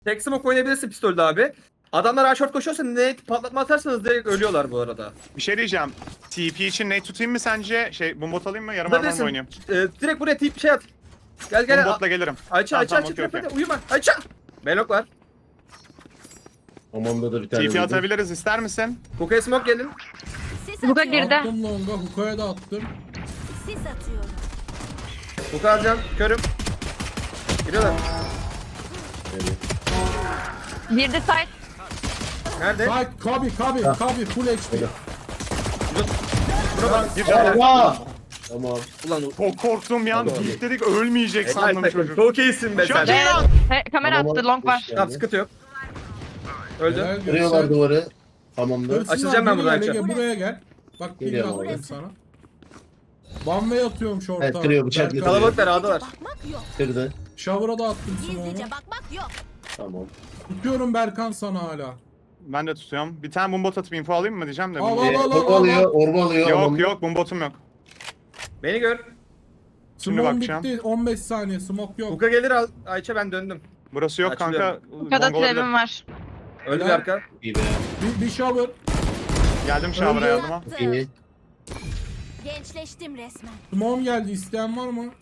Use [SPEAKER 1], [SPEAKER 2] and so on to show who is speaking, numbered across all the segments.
[SPEAKER 1] Tek smoke oynayabilirsin pistolde abi. Adamlar A short koşuyorsa nade patlatma atarsanız direkt ölüyorlar bu arada.
[SPEAKER 2] Bir şey diyeceğim. TP için ne tutayım mı sence? Bombot alayım mı? Yarım armor mu
[SPEAKER 1] Tutabilirsin.
[SPEAKER 2] oynayayım?
[SPEAKER 1] Direkt buraya tip şey at. Gel gel.
[SPEAKER 2] Bombotla gelirim.
[SPEAKER 1] Ayça
[SPEAKER 2] Tamam, tamam,
[SPEAKER 1] Ayça
[SPEAKER 2] okey, okey.
[SPEAKER 1] uyuma. Ayça. Belok var.
[SPEAKER 3] Hamamda da bir tane
[SPEAKER 2] TP
[SPEAKER 3] vurdum.
[SPEAKER 2] atabiliriz, ister misin?
[SPEAKER 1] Hookah'ya smoke gelin.
[SPEAKER 4] Sis
[SPEAKER 5] Hookah
[SPEAKER 4] atıyorum.
[SPEAKER 5] girdi.
[SPEAKER 6] Attım longa, Huka'ya da attım.
[SPEAKER 4] Sis atıyorum.
[SPEAKER 1] Hookah alacağım. Körüm. Giriyorlar.
[SPEAKER 3] Evet.
[SPEAKER 5] Girdi site.
[SPEAKER 1] Nerede?
[SPEAKER 6] Bak Kabi full HP.
[SPEAKER 1] Buna bak.
[SPEAKER 2] Bir tane.
[SPEAKER 3] Allah! Tamam.
[SPEAKER 1] Ulan
[SPEAKER 2] Çok korktum ya.
[SPEAKER 3] Tamam.
[SPEAKER 2] Dedik dedik ölmeyecek sandım
[SPEAKER 1] helal takım.
[SPEAKER 2] çocuk.
[SPEAKER 1] Çok iyisin be
[SPEAKER 2] Çok
[SPEAKER 1] sen.
[SPEAKER 2] iyi lan.
[SPEAKER 5] Kamera attı long var.
[SPEAKER 1] Tamam sıkıntı yok. Öldü.
[SPEAKER 6] Helal
[SPEAKER 3] Kırıyorlar
[SPEAKER 6] Göksel.
[SPEAKER 3] duvarı. Hamamda.
[SPEAKER 6] Hırsızlar,
[SPEAKER 1] Açılacağım ben
[SPEAKER 6] geri
[SPEAKER 1] buradan,
[SPEAKER 6] gel,
[SPEAKER 1] açacağım.
[SPEAKER 6] Ege, buraya gel. Bak bir
[SPEAKER 3] Geliyorum
[SPEAKER 6] attım
[SPEAKER 3] abi.
[SPEAKER 6] sana. Bambe atıyorum şorta.
[SPEAKER 3] Evet, kırıyor, bıçak
[SPEAKER 6] Berkay.
[SPEAKER 3] getiriyor.
[SPEAKER 1] Kalabalıklar A'dalar.
[SPEAKER 4] Bakmak yok.
[SPEAKER 3] Kırdı.
[SPEAKER 6] Shower'a da attım smoke'u.
[SPEAKER 4] Gizlice bakmak yok.
[SPEAKER 3] Tamam.
[SPEAKER 6] Tutuyorum Berkan sana hala.
[SPEAKER 2] Ben de tutuyorum. Bir tane bombot atıp info alayım mı diyeceğim de.
[SPEAKER 6] Al,
[SPEAKER 2] bilmiyorum.
[SPEAKER 6] al, al.
[SPEAKER 3] Orba alıyor, orba alıyor.
[SPEAKER 2] Yok
[SPEAKER 3] hamamda.
[SPEAKER 2] yok bombotum yok.
[SPEAKER 1] Beni gör.
[SPEAKER 2] Şimdi
[SPEAKER 6] Smoke
[SPEAKER 2] bakacağım.
[SPEAKER 6] bitti. 15 saniye smoke yok.
[SPEAKER 1] Hookah gelir al. Ayça ben döndüm.
[SPEAKER 2] Burası yok kanka.
[SPEAKER 1] Açılıyorum.
[SPEAKER 5] Bu kadar
[SPEAKER 2] Long olabilir.
[SPEAKER 5] trap'im var.
[SPEAKER 1] Öldü bir
[SPEAKER 6] Helal.
[SPEAKER 1] arka.
[SPEAKER 3] İyi be.
[SPEAKER 6] Bir shower.
[SPEAKER 2] Geldim shower'a
[SPEAKER 6] Öldü.
[SPEAKER 2] yardıma.
[SPEAKER 3] İyi.
[SPEAKER 4] Gençleştim resmen.
[SPEAKER 6] Smoke geldi. İsteyen var mı?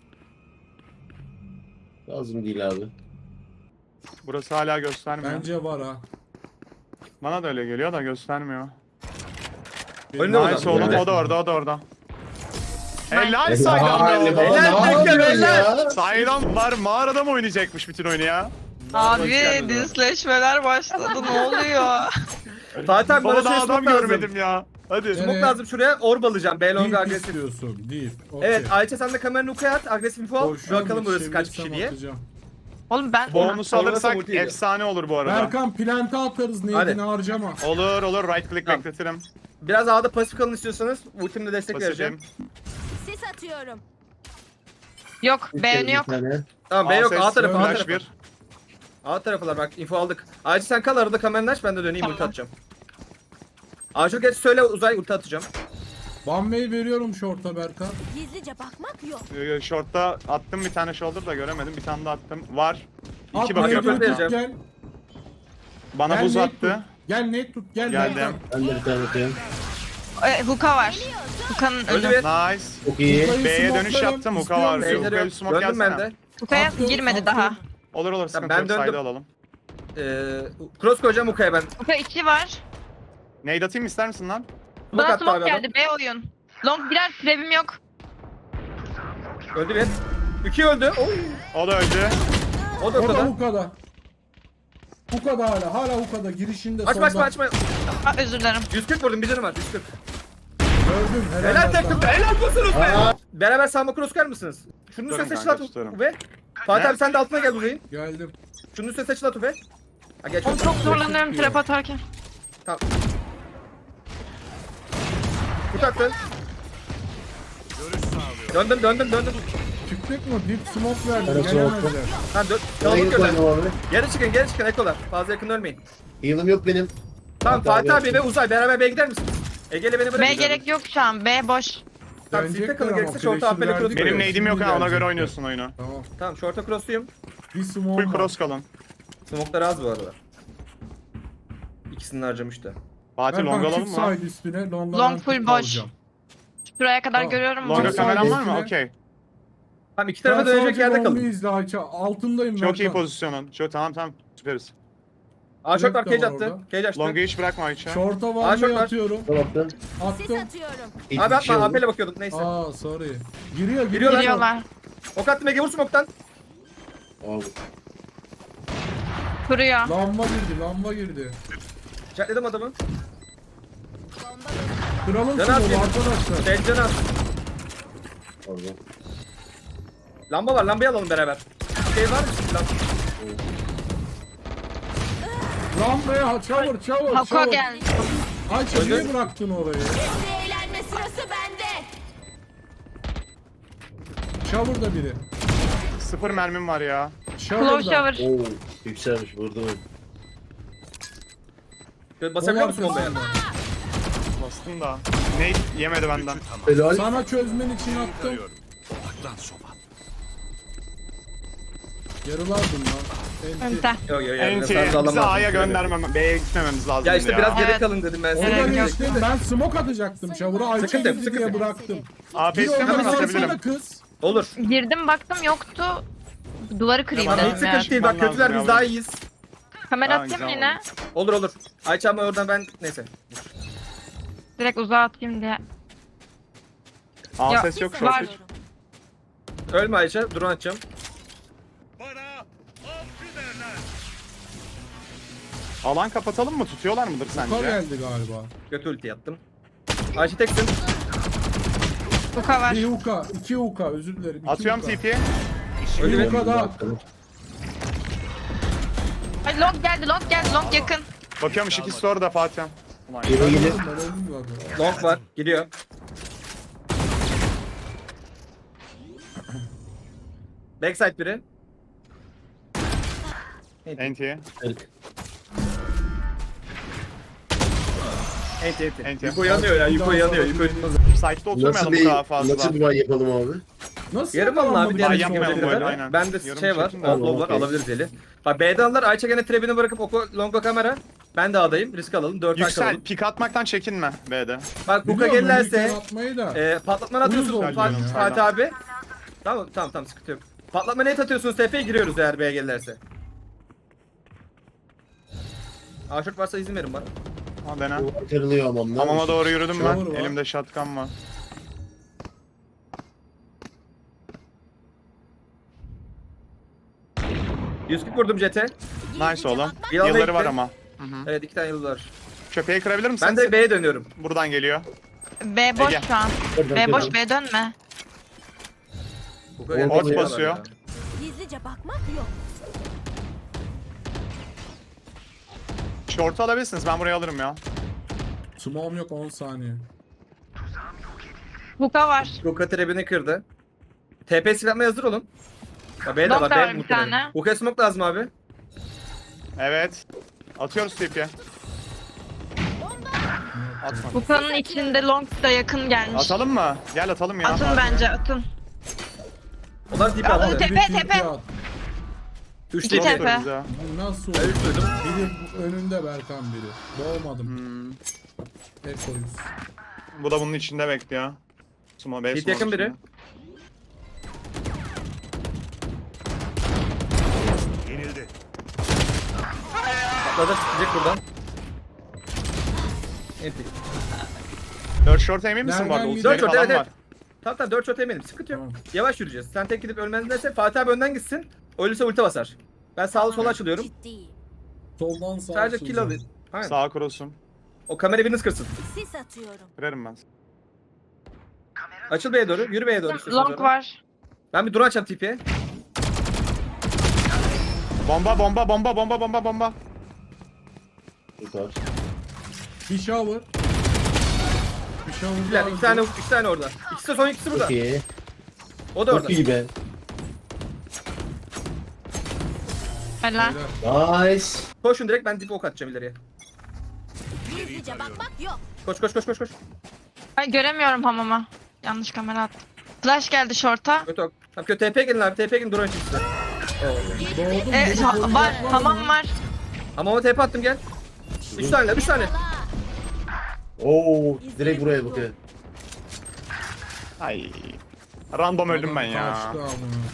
[SPEAKER 3] Lazım değil abi.
[SPEAKER 2] Burası hala göstermiyor.
[SPEAKER 6] Bence var ha.
[SPEAKER 2] Bana da öyle geliyor da göstermiyor.
[SPEAKER 1] Önde o
[SPEAKER 2] Nice
[SPEAKER 1] da.
[SPEAKER 2] oğlum,
[SPEAKER 1] Önde.
[SPEAKER 2] o da orada, o da orada. Helal
[SPEAKER 3] Helal
[SPEAKER 2] Saydam
[SPEAKER 3] be baba,
[SPEAKER 1] Helal
[SPEAKER 3] ne
[SPEAKER 1] takım,
[SPEAKER 3] yapıyorsun
[SPEAKER 1] helal.
[SPEAKER 3] ya?
[SPEAKER 2] Saydam var, mağarada mı oynayacakmış bütün oyunu ya?
[SPEAKER 5] Abi dinsleşmeler başladı ne oluyor?
[SPEAKER 1] Fatih abi bana
[SPEAKER 2] Baba da
[SPEAKER 1] şey
[SPEAKER 2] adam
[SPEAKER 1] smoke lazım.
[SPEAKER 2] görmedim ya. Hadi.
[SPEAKER 1] Smoke
[SPEAKER 6] Evet.
[SPEAKER 1] lazım şuraya. Orb alacağım. B long
[SPEAKER 6] Deep
[SPEAKER 1] agresif.
[SPEAKER 6] istiyorsun. Deep. Okey.
[SPEAKER 1] Evet Ayça sen de kameranı Hookah'ya at. Agresif info al.
[SPEAKER 6] Boşver,
[SPEAKER 1] Bakalım burası kaç
[SPEAKER 6] çevirsem
[SPEAKER 1] kişi diye.
[SPEAKER 6] atacağım.
[SPEAKER 5] Oğlum ben
[SPEAKER 2] Bonus
[SPEAKER 1] Oynasa
[SPEAKER 2] alırsak
[SPEAKER 1] ulti yiyor.
[SPEAKER 2] efsane olur bu arada.
[SPEAKER 6] Berkan plante atarız
[SPEAKER 1] Hadi.
[SPEAKER 6] neyini harcama.
[SPEAKER 2] Olur olur, right click
[SPEAKER 1] Tamam.
[SPEAKER 2] bekletirim.
[SPEAKER 1] Biraz A'da pasif kalın istiyorsanız ultimle destek vereceğim.
[SPEAKER 2] Pasifim.
[SPEAKER 4] Sis atıyorum.
[SPEAKER 5] yok beğeni yok.
[SPEAKER 3] Bir tane.
[SPEAKER 1] Tamam B yok A
[SPEAKER 2] ses,
[SPEAKER 1] tarafı A
[SPEAKER 2] flash
[SPEAKER 1] tarafı.
[SPEAKER 2] bir.
[SPEAKER 1] A tarafılar bak info aldık. Ayça sen kal arada kameranı aç ben de döneyim
[SPEAKER 5] Tamam.
[SPEAKER 1] ulti atacağım. Ayça geç söyle uzay ulti atacağım.
[SPEAKER 6] Bambe'yi veriyorum short'a Berkan.
[SPEAKER 4] Gizlice bakmak yok.
[SPEAKER 2] Short'ta attım bir tane shoulder da göremedim. Bir tane de attım. Var.
[SPEAKER 6] At
[SPEAKER 2] İki
[SPEAKER 1] bakıyor,
[SPEAKER 2] bakıyor.
[SPEAKER 6] nade'ini
[SPEAKER 1] vereceğim.
[SPEAKER 6] tut gel.
[SPEAKER 2] Bana
[SPEAKER 6] Gel
[SPEAKER 2] buz
[SPEAKER 6] nade
[SPEAKER 2] attı.
[SPEAKER 6] tut. Gel nade tut gel
[SPEAKER 2] Geldim.
[SPEAKER 6] Berkan.
[SPEAKER 3] Ben de bir tane atıyorum.
[SPEAKER 5] Hookah var. Hookah'ın
[SPEAKER 1] Öldü
[SPEAKER 5] önü.
[SPEAKER 1] bir.
[SPEAKER 2] Nice.
[SPEAKER 3] Çok iyi.
[SPEAKER 6] Hookah'ı
[SPEAKER 2] B'ye dönüş
[SPEAKER 6] smoke'larım,
[SPEAKER 2] yaptım, Hookah
[SPEAKER 6] istiyor
[SPEAKER 2] var.
[SPEAKER 6] musun?
[SPEAKER 2] Beyler-
[SPEAKER 1] Beyleri yok.
[SPEAKER 2] smoke
[SPEAKER 1] Döndüm ben
[SPEAKER 2] gelsene.
[SPEAKER 1] de.
[SPEAKER 5] Hookah'a
[SPEAKER 6] Attım,
[SPEAKER 5] girmedi
[SPEAKER 6] attım.
[SPEAKER 5] daha.
[SPEAKER 2] Olur olur, sıkıntı
[SPEAKER 1] ben
[SPEAKER 2] yok.
[SPEAKER 1] döndüm.
[SPEAKER 2] Side'ı alalım.
[SPEAKER 1] Cross koyacağım Hookah'ya ben.
[SPEAKER 5] Hookah 2 var.
[SPEAKER 2] Nade atayım ister misin lan?
[SPEAKER 1] Smoke
[SPEAKER 5] Bana
[SPEAKER 1] attı
[SPEAKER 5] smoke
[SPEAKER 1] abi adam.
[SPEAKER 5] geldi B oyun. Long birer trap'im yok.
[SPEAKER 1] Öldü bir. 2 öldü. Oy.
[SPEAKER 2] O da öldü.
[SPEAKER 1] O da
[SPEAKER 6] O da
[SPEAKER 1] ortada.
[SPEAKER 6] Huka'da. Huka'da hala Huka'da girişinde
[SPEAKER 1] Açma açma
[SPEAKER 6] solda.
[SPEAKER 1] açma.
[SPEAKER 5] Aa, özür dilerim.
[SPEAKER 1] 140 vurdum bir canım var 140.
[SPEAKER 6] Gördüm helal,
[SPEAKER 1] Helal
[SPEAKER 6] Berkan.
[SPEAKER 1] takım helal olsunuz be.
[SPEAKER 3] Aa.
[SPEAKER 1] Beraber sağma cross kar mısınız? Şunun üstüne
[SPEAKER 2] Tutarım
[SPEAKER 1] seçil
[SPEAKER 2] kanka,
[SPEAKER 1] at
[SPEAKER 2] tutarım.
[SPEAKER 1] ve Fatih
[SPEAKER 2] Ne?
[SPEAKER 1] abi sen de altına gel uzayın.
[SPEAKER 6] Geldim.
[SPEAKER 1] Şunun üstüne seçil at ve. Ha geç.
[SPEAKER 5] Oğlum çok zorlanıyorum trap atarken.
[SPEAKER 1] Tamam. Kurt attı. Döndüm.
[SPEAKER 6] Çıktık mı? Deep smoke verdi.
[SPEAKER 3] Evet,
[SPEAKER 6] Gelemezler.
[SPEAKER 1] Tamam dön.
[SPEAKER 3] Bana
[SPEAKER 1] Kalabalık
[SPEAKER 3] git
[SPEAKER 1] gönder.
[SPEAKER 3] oyna abi.
[SPEAKER 1] Geri çıkın ekolar. Fazla yakın ölmeyin.
[SPEAKER 3] Heal'ım yok benim.
[SPEAKER 1] Tamam
[SPEAKER 3] Fatih
[SPEAKER 1] Fatih
[SPEAKER 3] abi
[SPEAKER 1] abi ve Uzay beraber B'ye gider misiniz? Ege'yle beni bırakın.
[SPEAKER 5] B gerek yok şu an. B boş.
[SPEAKER 1] Tamam
[SPEAKER 6] Dönecekler
[SPEAKER 1] sizde kalın
[SPEAKER 6] ama
[SPEAKER 1] gerekirse short'a
[SPEAKER 6] flash'ı
[SPEAKER 1] AP'le cross
[SPEAKER 6] verdik.
[SPEAKER 2] Benim
[SPEAKER 1] koyuyorum.
[SPEAKER 2] nade'im yok ha, ona göre
[SPEAKER 6] gelecekler.
[SPEAKER 2] oynuyorsun oyunu.
[SPEAKER 6] Tamam.
[SPEAKER 1] Tamam short'a crossluyum.
[SPEAKER 6] Bir smoke
[SPEAKER 2] Full
[SPEAKER 6] var.
[SPEAKER 2] cross kalın.
[SPEAKER 1] Smoke'lar az bu arada. İkisini harcamış da.
[SPEAKER 2] Fatih long
[SPEAKER 6] Berkan
[SPEAKER 2] alalım
[SPEAKER 6] çık
[SPEAKER 2] mı?
[SPEAKER 6] side üstüne. Long'a
[SPEAKER 5] Long
[SPEAKER 6] ben
[SPEAKER 5] full
[SPEAKER 6] tut
[SPEAKER 5] boş.
[SPEAKER 6] alacağım.
[SPEAKER 5] Şuraya kadar
[SPEAKER 6] Tamam.
[SPEAKER 5] görüyorum.
[SPEAKER 2] Longa
[SPEAKER 6] Long
[SPEAKER 2] kameran var
[SPEAKER 6] side
[SPEAKER 2] mı?
[SPEAKER 6] üstüne.
[SPEAKER 2] Okey.
[SPEAKER 1] Tamam iki
[SPEAKER 6] Sen
[SPEAKER 1] tarafa dönecek
[SPEAKER 6] sadece
[SPEAKER 1] yerde
[SPEAKER 6] long'u
[SPEAKER 1] kalın.
[SPEAKER 6] izle Ayça. Altındayım
[SPEAKER 2] Çok iyi
[SPEAKER 6] Berkan.
[SPEAKER 2] pozisyonun. Tamam süperiz.
[SPEAKER 1] Aa short var
[SPEAKER 6] Direkt de
[SPEAKER 1] cage
[SPEAKER 6] var
[SPEAKER 1] attı.
[SPEAKER 6] orada.
[SPEAKER 1] Cage açtı.
[SPEAKER 2] Long'u hiç bırakma Ayça.
[SPEAKER 6] Short'a
[SPEAKER 1] Aa,
[SPEAKER 6] var
[SPEAKER 1] short
[SPEAKER 6] mı
[SPEAKER 1] var.
[SPEAKER 6] atıyorum.
[SPEAKER 3] Kapattım.
[SPEAKER 4] Sis
[SPEAKER 6] Attım.
[SPEAKER 4] atıyorum.
[SPEAKER 3] İlk
[SPEAKER 1] Abi
[SPEAKER 3] bir şey
[SPEAKER 1] atma
[SPEAKER 3] oldu.
[SPEAKER 1] AP'le bakıyorduk neyse.
[SPEAKER 6] Aa sorry. Giriyor
[SPEAKER 1] Giriyorlar.
[SPEAKER 5] Giriyorlar.
[SPEAKER 1] Ok attım Ege vur smoke'tan.
[SPEAKER 3] Abi.
[SPEAKER 5] Kuruyor.
[SPEAKER 6] Lamba girdi.
[SPEAKER 1] Çatladım adamı.
[SPEAKER 4] Bomba
[SPEAKER 6] Kralın
[SPEAKER 1] Can
[SPEAKER 6] smoke
[SPEAKER 1] atayım.
[SPEAKER 6] arkadaşlar.
[SPEAKER 1] Dencana at.
[SPEAKER 3] Pardon.
[SPEAKER 1] Lamba var lambayı alalım beraber. Şey var mı?
[SPEAKER 6] Lambaya çavur.
[SPEAKER 5] Hookah geldi.
[SPEAKER 6] Ayça niye bıraktın orayı?
[SPEAKER 4] Şimdi eğlenme sırası bende.
[SPEAKER 6] Çavur da biri.
[SPEAKER 2] 0 mermim var ya.
[SPEAKER 6] Çavur
[SPEAKER 5] Close
[SPEAKER 6] da.
[SPEAKER 5] shower.
[SPEAKER 3] Oo, yükselmiş vurdum.
[SPEAKER 1] Şöyle basabiliyor musun
[SPEAKER 6] Bomba
[SPEAKER 1] bombaya?
[SPEAKER 2] Bastım da. Nade yemedi benden.
[SPEAKER 3] Helal.
[SPEAKER 6] Sana çözmen için attım. Yarılardım lan.
[SPEAKER 5] Ente.
[SPEAKER 1] Yok yok yok.
[SPEAKER 2] Enti
[SPEAKER 1] Sen de
[SPEAKER 2] bizi
[SPEAKER 1] alamazdın.
[SPEAKER 2] A'ya göndermem. B'ye gitmememiz lazım
[SPEAKER 1] Ya işte biraz geri
[SPEAKER 5] Evet.
[SPEAKER 1] kalın dedim ben
[SPEAKER 5] Evet,
[SPEAKER 1] sana.
[SPEAKER 5] yok.
[SPEAKER 6] İşte ben smoke atacaktım. Shower'a Ayça
[SPEAKER 1] Sıkıntı yok,
[SPEAKER 6] girdi
[SPEAKER 1] sıkıntı
[SPEAKER 6] diye
[SPEAKER 1] yok.
[SPEAKER 6] bıraktım.
[SPEAKER 2] AP
[SPEAKER 6] Bir
[SPEAKER 2] istemem
[SPEAKER 6] oradan
[SPEAKER 2] atabilirim.
[SPEAKER 6] alsana kız.
[SPEAKER 1] Olur.
[SPEAKER 5] Girdim baktım yoktu. Duvarı kırayım
[SPEAKER 1] Tamam hiç
[SPEAKER 5] dedim ya.
[SPEAKER 1] sıkıntı değil. Bak
[SPEAKER 2] Çıkman
[SPEAKER 1] kötüler
[SPEAKER 2] lazım
[SPEAKER 1] biz
[SPEAKER 2] ya.
[SPEAKER 1] daha iyiyiz.
[SPEAKER 5] Kamera
[SPEAKER 2] Tamam,
[SPEAKER 5] atayım mı
[SPEAKER 2] güzel
[SPEAKER 5] yine?
[SPEAKER 1] Olur olur. Ayça ama oradan ben neyse.
[SPEAKER 5] Direkt uzağa atayım diye.
[SPEAKER 2] A
[SPEAKER 5] Ya,
[SPEAKER 2] ses yok
[SPEAKER 5] var.
[SPEAKER 2] short.
[SPEAKER 1] Ölme Ayça. Drone atacağım.
[SPEAKER 2] Alan kapatalım mı? Tutuyorlar mıdır
[SPEAKER 6] Kar
[SPEAKER 2] sence?
[SPEAKER 6] geldi galiba.
[SPEAKER 1] Götü ulti yaptım. Ayça teksin.
[SPEAKER 5] Buka var.
[SPEAKER 6] Bir huka, iki huka, özür dilerim. iki
[SPEAKER 2] Atıyorum
[SPEAKER 6] huka.
[SPEAKER 2] TP'ye.
[SPEAKER 1] Öyle
[SPEAKER 6] Bir
[SPEAKER 1] mi?
[SPEAKER 6] huka daha.
[SPEAKER 5] Ay long geldi long yakın.
[SPEAKER 2] Bakıyorum ikisi orada Fatih. Ulan
[SPEAKER 3] Geri gelir.
[SPEAKER 6] Ben öldüm zaten.
[SPEAKER 1] Long var. Gidiyor. Backside biri.
[SPEAKER 2] NT.
[SPEAKER 3] Kırk.
[SPEAKER 1] Enti enti.
[SPEAKER 2] Enti.
[SPEAKER 1] Yuko yanıyor ya. Yuko yanıyor. Yuko
[SPEAKER 2] Site'da
[SPEAKER 3] Nasıl
[SPEAKER 2] oturmayalım bu
[SPEAKER 3] bir,
[SPEAKER 2] kadar fazla.
[SPEAKER 3] nasıl bir bay yapalım abi?
[SPEAKER 6] Nasıl
[SPEAKER 1] Yarım alın abi.
[SPEAKER 6] yakalanmadı
[SPEAKER 1] Diğer
[SPEAKER 2] Ay,
[SPEAKER 6] bir
[SPEAKER 2] yapmayalım
[SPEAKER 6] sonra?
[SPEAKER 2] böyle, aynen.
[SPEAKER 1] Bende
[SPEAKER 2] Yarım
[SPEAKER 1] şey var.
[SPEAKER 2] çekin de.
[SPEAKER 1] Oblov var.
[SPEAKER 3] Okey.
[SPEAKER 1] Alabiliriz eli. Bak B'de alırlar. Ayça gene trebini bırakıp Oko longa kamera. Ben de A'dayım. Risk alalım. 4
[SPEAKER 2] Yüksel,
[SPEAKER 1] alalım.
[SPEAKER 2] pik atmaktan çekinme B'de.
[SPEAKER 1] Bak Kuka
[SPEAKER 6] Biliyorum,
[SPEAKER 1] gelirlerse
[SPEAKER 6] önlükleri atmayı da.
[SPEAKER 1] patlatmanı atıyorsun
[SPEAKER 6] Uyuz
[SPEAKER 1] Fatih,
[SPEAKER 6] oldu ya.
[SPEAKER 1] Fatih abi. Tamam sıkıntı yok. Patlatma net atıyorsunuz TP'ye giriyoruz eğer B'ye gelirlerse. Aşık varsa izin verin bana.
[SPEAKER 2] Ha dene.
[SPEAKER 3] Bu kırılıyor hamamda.
[SPEAKER 2] Hamama doğru yürüdüm ben.
[SPEAKER 6] Shower var.
[SPEAKER 2] Elimde shotgun var.
[SPEAKER 1] %40 vurdum JT.
[SPEAKER 2] Nice oğlum.
[SPEAKER 1] Yılanla
[SPEAKER 2] Yılları var
[SPEAKER 1] gitti.
[SPEAKER 2] ama.
[SPEAKER 1] Evet 2 tane yıldız var.
[SPEAKER 2] Köpeği kırabilir misin?
[SPEAKER 1] Ben de B'ye dönüyorum.
[SPEAKER 2] Buradan geliyor.
[SPEAKER 5] B boş
[SPEAKER 2] Ege.
[SPEAKER 5] şu an.
[SPEAKER 3] Oradan
[SPEAKER 5] B boş
[SPEAKER 3] kıralım.
[SPEAKER 5] B dönme.
[SPEAKER 1] Kuka
[SPEAKER 3] Ort
[SPEAKER 1] gelirse
[SPEAKER 2] basıyor.
[SPEAKER 1] yalan ya.
[SPEAKER 4] Gizlice bakmak yok.
[SPEAKER 2] Short'u alabilirsiniz. Ben burayı alırım ya.
[SPEAKER 6] Smoke'um yok 10 saniye.
[SPEAKER 5] Buka var.
[SPEAKER 1] Kuka trebini kırdı. TP silahma hazır olun. Ya B'de
[SPEAKER 5] Long
[SPEAKER 1] var.
[SPEAKER 5] da
[SPEAKER 1] B
[SPEAKER 5] var bir
[SPEAKER 1] muhtemelen.
[SPEAKER 5] tane.
[SPEAKER 1] Kuka smoke lazım abi.
[SPEAKER 2] Evet. Atıyoruz TP'ye. Atma.
[SPEAKER 5] Buka'nın içinde long da yakın gelmiş.
[SPEAKER 2] Atalım mı? Gel atalım ya.
[SPEAKER 5] Atın bence atın.
[SPEAKER 1] Onlar tip
[SPEAKER 5] Aa,
[SPEAKER 1] aldı.
[SPEAKER 5] tepe,
[SPEAKER 6] Biri
[SPEAKER 5] tepe.
[SPEAKER 6] tilki at.
[SPEAKER 1] 3
[SPEAKER 5] İki
[SPEAKER 1] tip.
[SPEAKER 5] tepe.
[SPEAKER 2] Ya.
[SPEAKER 6] Bu nasıl
[SPEAKER 1] Ben
[SPEAKER 6] oldu?
[SPEAKER 1] 3 duydum.
[SPEAKER 6] Biri önünde Berkan biri. Doğmadım.
[SPEAKER 2] Hmm.
[SPEAKER 6] Ekoyuz.
[SPEAKER 2] Bu da bunun içinde bekliyor. Sumo B
[SPEAKER 1] Hit
[SPEAKER 2] sumo
[SPEAKER 1] yakın biri.
[SPEAKER 2] içinde.
[SPEAKER 1] Atladı çıkacak buradan. Enti.
[SPEAKER 2] 4 short emin misin bu arada?
[SPEAKER 6] Nereden
[SPEAKER 2] Ultileri
[SPEAKER 1] gidiyor?
[SPEAKER 2] falan
[SPEAKER 1] Evet,
[SPEAKER 2] var.
[SPEAKER 1] Tamam 4 shot eminim. Sıkıntı yok.
[SPEAKER 6] Tamam.
[SPEAKER 1] Yavaş yürüyeceğiz. Sen tek gidip ölmezlerse Fatih abi önden gitsin. Ölürse ulti basar. Ben sağlı sola açılıyorum.
[SPEAKER 4] Ciddiyim.
[SPEAKER 6] Soldan sağa
[SPEAKER 1] Sadece
[SPEAKER 6] açılacağım.
[SPEAKER 1] kill alayım. Aynen.
[SPEAKER 2] Sağ cross'um.
[SPEAKER 1] O kamera biriniz kırsın.
[SPEAKER 4] Sis atıyorum.
[SPEAKER 2] Kırarım ben.
[SPEAKER 1] Açıl B'ye doğru. Yürü B'ye doğru. istiyorsan
[SPEAKER 5] Long
[SPEAKER 1] doğru.
[SPEAKER 5] var.
[SPEAKER 1] Ben bir drone açacağım TP'ye.
[SPEAKER 2] Bomba bomba bomba bomba bomba bomba.
[SPEAKER 3] Yukarı.
[SPEAKER 6] Bir shower. Bir shower
[SPEAKER 1] İkiler.
[SPEAKER 6] daha
[SPEAKER 1] 2 tane,
[SPEAKER 6] öldü.
[SPEAKER 1] 2 tane orada. İkisi de son ikisi burada.
[SPEAKER 3] Çok iyi.
[SPEAKER 1] O da orada.
[SPEAKER 3] Çok iyi be.
[SPEAKER 5] Helal.
[SPEAKER 6] Beyler,
[SPEAKER 3] Nice.
[SPEAKER 1] Koşun direkt ben dip ok atacağım ileriye.
[SPEAKER 4] Gizlice bakmak yok.
[SPEAKER 1] Koş.
[SPEAKER 5] Ay göremiyorum hamama. Yanlış kamera attım. Flash geldi short'a.
[SPEAKER 1] Kötü ok. Tamam kötü TP gelin abi. TP gelin drone çıksın.
[SPEAKER 6] Doğdum.
[SPEAKER 5] E,
[SPEAKER 6] beni koruyacak
[SPEAKER 5] var.
[SPEAKER 6] mı?
[SPEAKER 5] Hamam var.
[SPEAKER 1] Ama o TP attım gel. 3 tane 3 tane.
[SPEAKER 4] Yakala.
[SPEAKER 3] Oo, direkt buraya bakıyor.
[SPEAKER 2] Ay. Random öldüm ben ya.
[SPEAKER 6] Kaçtı amına.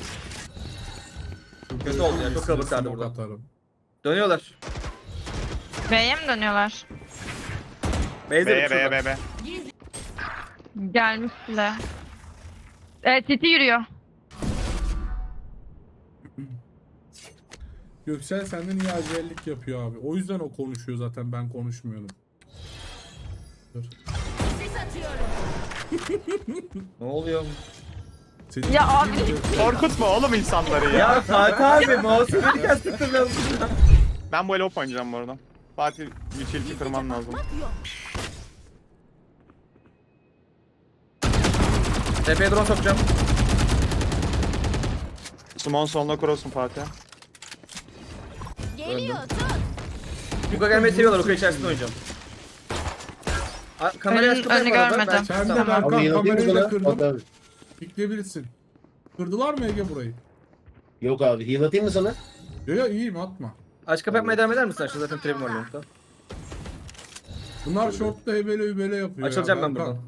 [SPEAKER 1] Kötü oldu ya, çok kalabalıklardı
[SPEAKER 6] Smoke
[SPEAKER 1] burada.
[SPEAKER 6] atarım.
[SPEAKER 1] Dönüyorlar.
[SPEAKER 5] B'ye mi dönüyorlar?
[SPEAKER 1] B'ye
[SPEAKER 2] B B B B.
[SPEAKER 5] Gelmiş bile. Titi yürüyor.
[SPEAKER 6] Göksel senden iyi acellik yapıyor abi. O yüzden o konuşuyor zaten, ben konuşmuyorum. Dur.
[SPEAKER 4] Sis atıyorum.
[SPEAKER 1] Ne oluyor?
[SPEAKER 6] Senin
[SPEAKER 5] Ya abi.
[SPEAKER 2] Korkutma oğlum insanları ya.
[SPEAKER 1] Ya Fatih abi mouse'u verirken sıktım ben.
[SPEAKER 2] Ben bu ele op oynayacağım bu arada. Fatih utility kırman lazım.
[SPEAKER 4] Bakmak yok.
[SPEAKER 1] TP'ye drone sokacağım.
[SPEAKER 2] Sumon soluna cross'um Fatih.
[SPEAKER 4] Geliyor tut.
[SPEAKER 1] Yuka gelmeyi seviyorlar. Yuka içerisinde oynayacağım. Kamerayı aç kapayım
[SPEAKER 5] Önünü
[SPEAKER 1] bu arada.
[SPEAKER 5] görmedim.
[SPEAKER 1] Ben-
[SPEAKER 6] Sen de
[SPEAKER 1] Tamam.
[SPEAKER 6] Berkan
[SPEAKER 3] Abi yanılıyor
[SPEAKER 6] kamerayı
[SPEAKER 3] mu
[SPEAKER 6] da
[SPEAKER 3] sana?
[SPEAKER 6] kırdım.
[SPEAKER 3] Abi.
[SPEAKER 6] Pikleyebilirsin. Kırdılar mı Ege burayı?
[SPEAKER 3] Yok abi, heal atayım mı sana?
[SPEAKER 6] Yo iyiyim atma.
[SPEAKER 1] Aç kapı yapmaya devam eder misin? Aşağı zaten trap'im var long'da.
[SPEAKER 6] Bunlar short'ta hebele hübele yapıyor.
[SPEAKER 1] Açılacağım
[SPEAKER 6] ya,
[SPEAKER 1] ben buradan.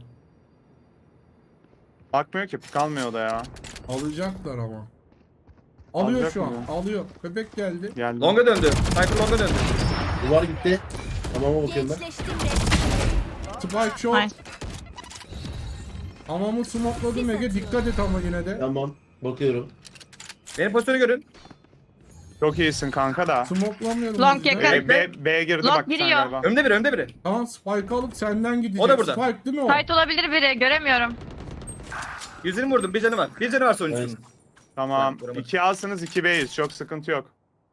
[SPEAKER 2] Bakmıyor ki, kalmıyor da ya.
[SPEAKER 6] Alacaklar ama. Alıyor
[SPEAKER 2] Alacak
[SPEAKER 6] şu an.
[SPEAKER 2] mı
[SPEAKER 6] Alıyor. Köpek geldi.
[SPEAKER 2] Geldi.
[SPEAKER 1] Longa döndü. Sniper longa döndü.
[SPEAKER 3] Duvar gitti. Tamama bakıyorum ben.
[SPEAKER 4] Gençleştim resmen.
[SPEAKER 6] Spike short.
[SPEAKER 5] Nice.
[SPEAKER 6] Hamamı smokladım Ege. Dikkat et ama yine de.
[SPEAKER 3] Tamam. Bakıyorum.
[SPEAKER 1] Benim pozisyonu görün.
[SPEAKER 2] Çok iyisin kanka da.
[SPEAKER 6] Smoklamıyorum.
[SPEAKER 5] Long
[SPEAKER 6] biz de.
[SPEAKER 5] yakın.
[SPEAKER 2] B girdi
[SPEAKER 5] Long
[SPEAKER 2] bak sen
[SPEAKER 5] giriyor.
[SPEAKER 2] galiba.
[SPEAKER 1] Önde biri, önde biri.
[SPEAKER 6] Tamam Spike alıp senden gidecek.
[SPEAKER 1] O da burada.
[SPEAKER 6] Spike değil mi o?
[SPEAKER 5] Site olabilir biri. Göremiyorum.
[SPEAKER 1] 120 vurdum. Bir canı var. Bir canı var sonuncunun.
[SPEAKER 3] Evet.
[SPEAKER 2] Tamam.
[SPEAKER 1] Ben vuramadım.
[SPEAKER 2] 2 A'sınız 2 B'yiz. Çok sıkıntı yok.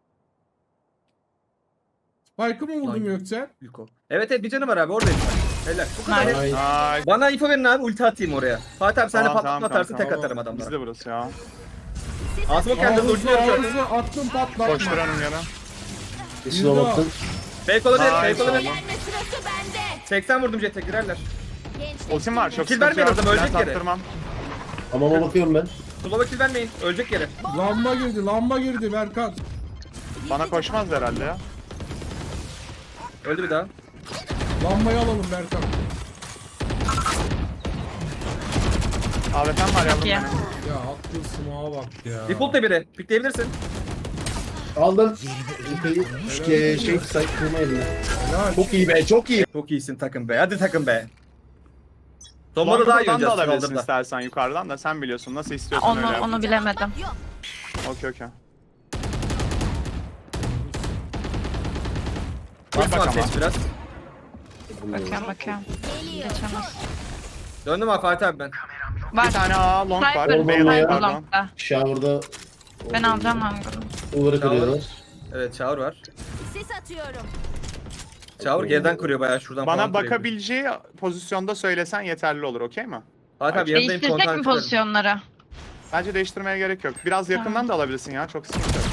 [SPEAKER 6] Spike'ı mı vurdun
[SPEAKER 1] Lan.
[SPEAKER 6] Göksel?
[SPEAKER 1] Yuko. Evet evet bir canı var abi. Oradayım. Helal. Bu kadar.
[SPEAKER 5] Nice.
[SPEAKER 3] Ay.
[SPEAKER 2] Ay.
[SPEAKER 1] Bana info verin abi. Ulti atayım oraya. Fatih abi sen de
[SPEAKER 2] Tamam,
[SPEAKER 1] patlatma
[SPEAKER 2] tamam,
[SPEAKER 1] atarsın.
[SPEAKER 2] tamam.
[SPEAKER 1] Tek atarım
[SPEAKER 2] Bizde
[SPEAKER 1] adamlara.
[SPEAKER 2] burası ya.
[SPEAKER 1] Asmo kendi ulti atıyor.
[SPEAKER 6] Ağzı attım patlatma.
[SPEAKER 2] Koşturanım yana.
[SPEAKER 3] Eşine baktın.
[SPEAKER 1] Fake olabilir.
[SPEAKER 2] Ay,
[SPEAKER 1] Fake olabilir.
[SPEAKER 4] Eğlenme sırası bende.
[SPEAKER 1] 80 vurdum jet'e girerler.
[SPEAKER 4] Gençleştim
[SPEAKER 2] Ultim var, çok
[SPEAKER 1] Kill
[SPEAKER 2] sıkıntı
[SPEAKER 1] vermeyin
[SPEAKER 2] yok.
[SPEAKER 1] adam, ölecek
[SPEAKER 2] Ben
[SPEAKER 1] yere.
[SPEAKER 2] taktırmam.
[SPEAKER 3] Hamama bakıyorum ben.
[SPEAKER 1] Slow'a kill vermeyin. Ölecek yere.
[SPEAKER 6] Lamba girdi Berkan.
[SPEAKER 2] Bana koşmaz herhalde ya.
[SPEAKER 1] Öldü bir daha.
[SPEAKER 6] Lambayı alalım Berkan.
[SPEAKER 2] AWP'm var yavrum
[SPEAKER 5] iyi.
[SPEAKER 2] benim.
[SPEAKER 6] Ya attığın smoke'a bak ya.
[SPEAKER 1] Default da biri. Pikleyebilirsin.
[SPEAKER 3] Aldım. Şey say kurma eline.
[SPEAKER 6] Ya
[SPEAKER 3] Çok iyi be, çok iyi.
[SPEAKER 1] Çok iyisin takım be. Hadi takım be. Sonunda daha iyi
[SPEAKER 2] Longadan da
[SPEAKER 1] oynayacağız
[SPEAKER 2] alabilirsin
[SPEAKER 1] kaldırda.
[SPEAKER 2] istersen yukarıdan da sen biliyorsun. Nasıl istiyorsan öyle yap.
[SPEAKER 5] Onu bilemedim.
[SPEAKER 4] Yok.
[SPEAKER 2] Okey okey.
[SPEAKER 1] Basma
[SPEAKER 2] bak
[SPEAKER 1] ateş
[SPEAKER 2] ama.
[SPEAKER 1] biraz.
[SPEAKER 5] Bakıyorum.
[SPEAKER 4] Geliyor.
[SPEAKER 5] Geçemez.
[SPEAKER 1] Döndüm abi Fatih abi ben.
[SPEAKER 5] Var.
[SPEAKER 2] Bir tane A long var.
[SPEAKER 5] Sniper.
[SPEAKER 2] B
[SPEAKER 3] Olmadı
[SPEAKER 2] long
[SPEAKER 3] ya.
[SPEAKER 2] pardon.
[SPEAKER 5] Long'da.
[SPEAKER 3] Shower'da
[SPEAKER 5] Ben alacağım lan bunu.
[SPEAKER 3] duvarı kırıyorlar.
[SPEAKER 1] Evet Çağır var.
[SPEAKER 4] Sis atıyorum.
[SPEAKER 1] Çağır geriden kuruyor bayağı şuradan
[SPEAKER 2] Bana
[SPEAKER 1] falan kuruyor.
[SPEAKER 2] bakabileceği pozisyonda söylesen yeterli olur, okey mi?
[SPEAKER 1] Fatih abi yanındayım.
[SPEAKER 5] Değiştirsek
[SPEAKER 1] kontağı
[SPEAKER 5] mi
[SPEAKER 1] tutarım.
[SPEAKER 5] pozisyonları?
[SPEAKER 2] Bence değiştirmeye gerek yok. Biraz yakından da alabilirsin ya, çok sıkıntı yok.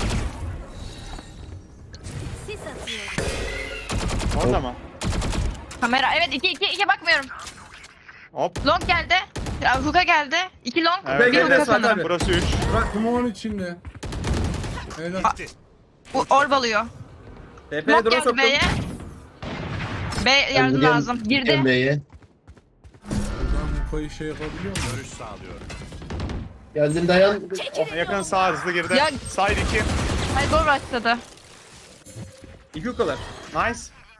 [SPEAKER 4] Sis atıyorum.
[SPEAKER 2] Orada mı?
[SPEAKER 5] Kamera. Evet 2 bakmıyorum.
[SPEAKER 2] Hop.
[SPEAKER 5] Long geldi. Ya, Hook'a geldi. 2 long.
[SPEAKER 2] Evet,
[SPEAKER 5] Bir
[SPEAKER 1] evet,
[SPEAKER 5] hook'a
[SPEAKER 1] evet,
[SPEAKER 5] sanırım.
[SPEAKER 1] abi.
[SPEAKER 2] Burası 3.
[SPEAKER 6] Smoke'un içinde. Helal.
[SPEAKER 5] Bu orb alıyor.
[SPEAKER 1] TP'ye
[SPEAKER 5] Long
[SPEAKER 1] drone
[SPEAKER 5] geldi
[SPEAKER 1] soktum.
[SPEAKER 5] B'ye. B yardım lazım. Girdi.
[SPEAKER 3] Emre'ye.
[SPEAKER 6] Buradan bu payı şey yapabiliyor mu?
[SPEAKER 3] Geldin dayan.
[SPEAKER 2] Yakın sağ hızlı girdi.
[SPEAKER 5] Ya-
[SPEAKER 2] Side 2.
[SPEAKER 5] Hayır gol başladı.
[SPEAKER 1] İki yukalar.
[SPEAKER 2] Nice.